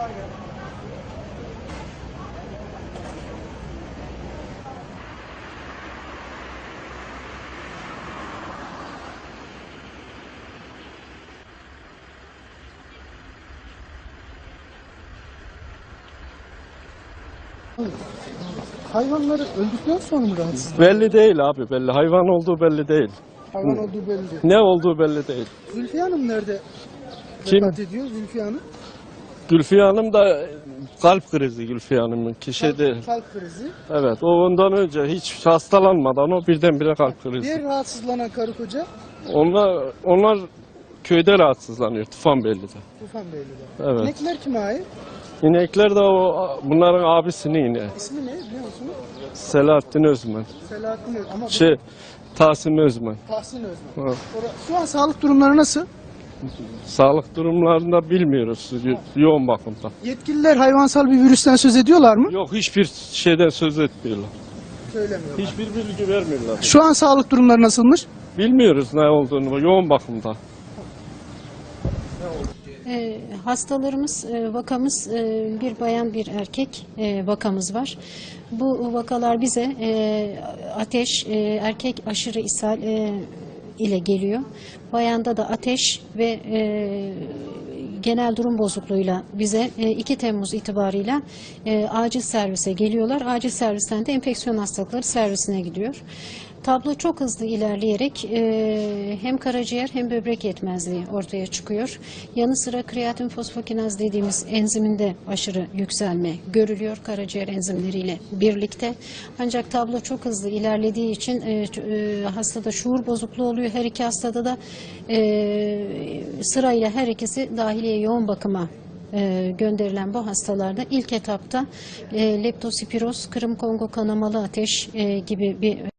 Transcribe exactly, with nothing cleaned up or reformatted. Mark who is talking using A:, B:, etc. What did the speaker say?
A: Hayvanları öldükten sonra mı rahatsız?
B: Belli değil abi, belli. Hayvan olduğu belli değil.
A: Hayvan olduğu belli değil.
B: Ne olduğu belli değil.
A: Zülfiye Hanım nerede
B: Kim?
A: vefat ediyor? Zülfiye Hanım.
B: Gülfiye Hanım da kalp krizi Gülfiye Hanım'ın kişi değil.
A: Kalp, kalp krizi.
B: Evet, o ondan önce hiç hastalanmadan o birdenbire kalp krizi.
A: Diğer rahatsızlanan karı koca
B: Onlar onlar köyde rahatsızlanıyor, Tufanbeyli'de.
A: Tufanbeyli'de.
B: Evet.
A: İnekler kime ait?
B: İnekler de o bunların abisinin ineği.
A: İsmi ne biliyor musunuz?
B: Selahattin Özmen.
A: Selahattin Öz. Ama
B: Şey, Tahsin Özmen.
A: Tahsin Özmen.
B: Evet.
A: Ora- Şu an sağlık durumları nasıl?
B: Sağlık durumlarında bilmiyoruz, yo- yoğun bakımda.
A: Yetkililer hayvansal bir virüsten söz ediyorlar mı?
B: Yok, hiçbir şeyden söz etmiyorlar.
A: Söylemiyorlar.
B: Hiçbir bilgi vermiyorlar.
A: Şu an sağlık durumları nasılmış?
B: Bilmiyoruz ne olduğunu, yoğun bakımda.
C: E, hastalarımız, e, vakamız e, bir bayan bir erkek e, vakamız var. Bu vakalar bize e, ateş, e, erkek aşırı ishal e, ile geliyor. Bayanda da ateş ve e, genel durum bozukluğuyla bize e, iki Temmuz itibarıyla e, acil servise geliyorlar. Acil servisten de enfeksiyon hastalıkları servisine gidiyor. Tablo çok hızlı ilerleyerek e, hem karaciğer hem böbrek yetmezliği ortaya çıkıyor. Yanı sıra kreatin fosfokinaz dediğimiz enziminde aşırı yükselme görülüyor karaciğer enzimleriyle birlikte. Ancak tablo çok hızlı ilerlediği için e, e, hastada şuur bozukluğu oluyor. Her iki hastada da e, sırayla her ikisi dahiliye yoğun bakıma e, gönderilen bu hastalarda ilk etapta e, leptospiroz, Kırım Kongo kanamalı ateş e, gibi bir